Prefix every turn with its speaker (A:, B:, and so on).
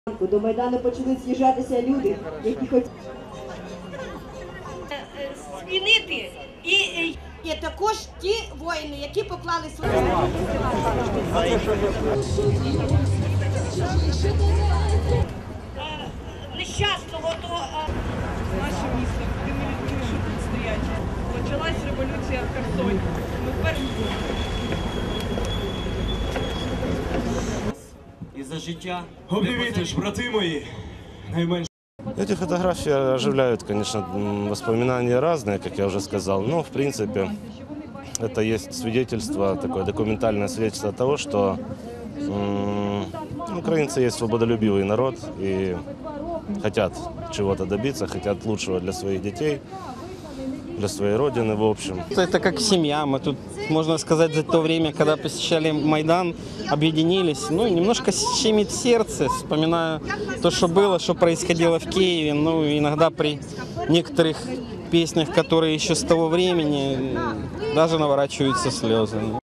A: До Майдану почали з'їжджатися люди, які хотіли
B: змінити. І також ті воїни, які поклали свої нещасного до
C: наше місто, тими людьми, що тут стоять. Почалась революція в Херсоні. Ми перші.
D: І за життя.
E: Обніміте ж, брати мої, найменше.
F: Эти фотографии оживляют, конечно, воспоминания разные, как я уже сказал, но, в принципе, это есть свидетельство, такое документальное свидетельство того, что украинцы есть свободолюбивый народ и хотят чего-то добиться, хотят лучшего для своих детей, для своей родины, в общем.
G: Это как семья. Мы тут, можно сказать, за то время, когда посещали Майдан, объединились. Ну, немножко щемит сердце, вспоминая то, что было, что происходило в Киеве. Ну, иногда при некоторых песнях, которые еще с того времени, даже наворачиваются слезы.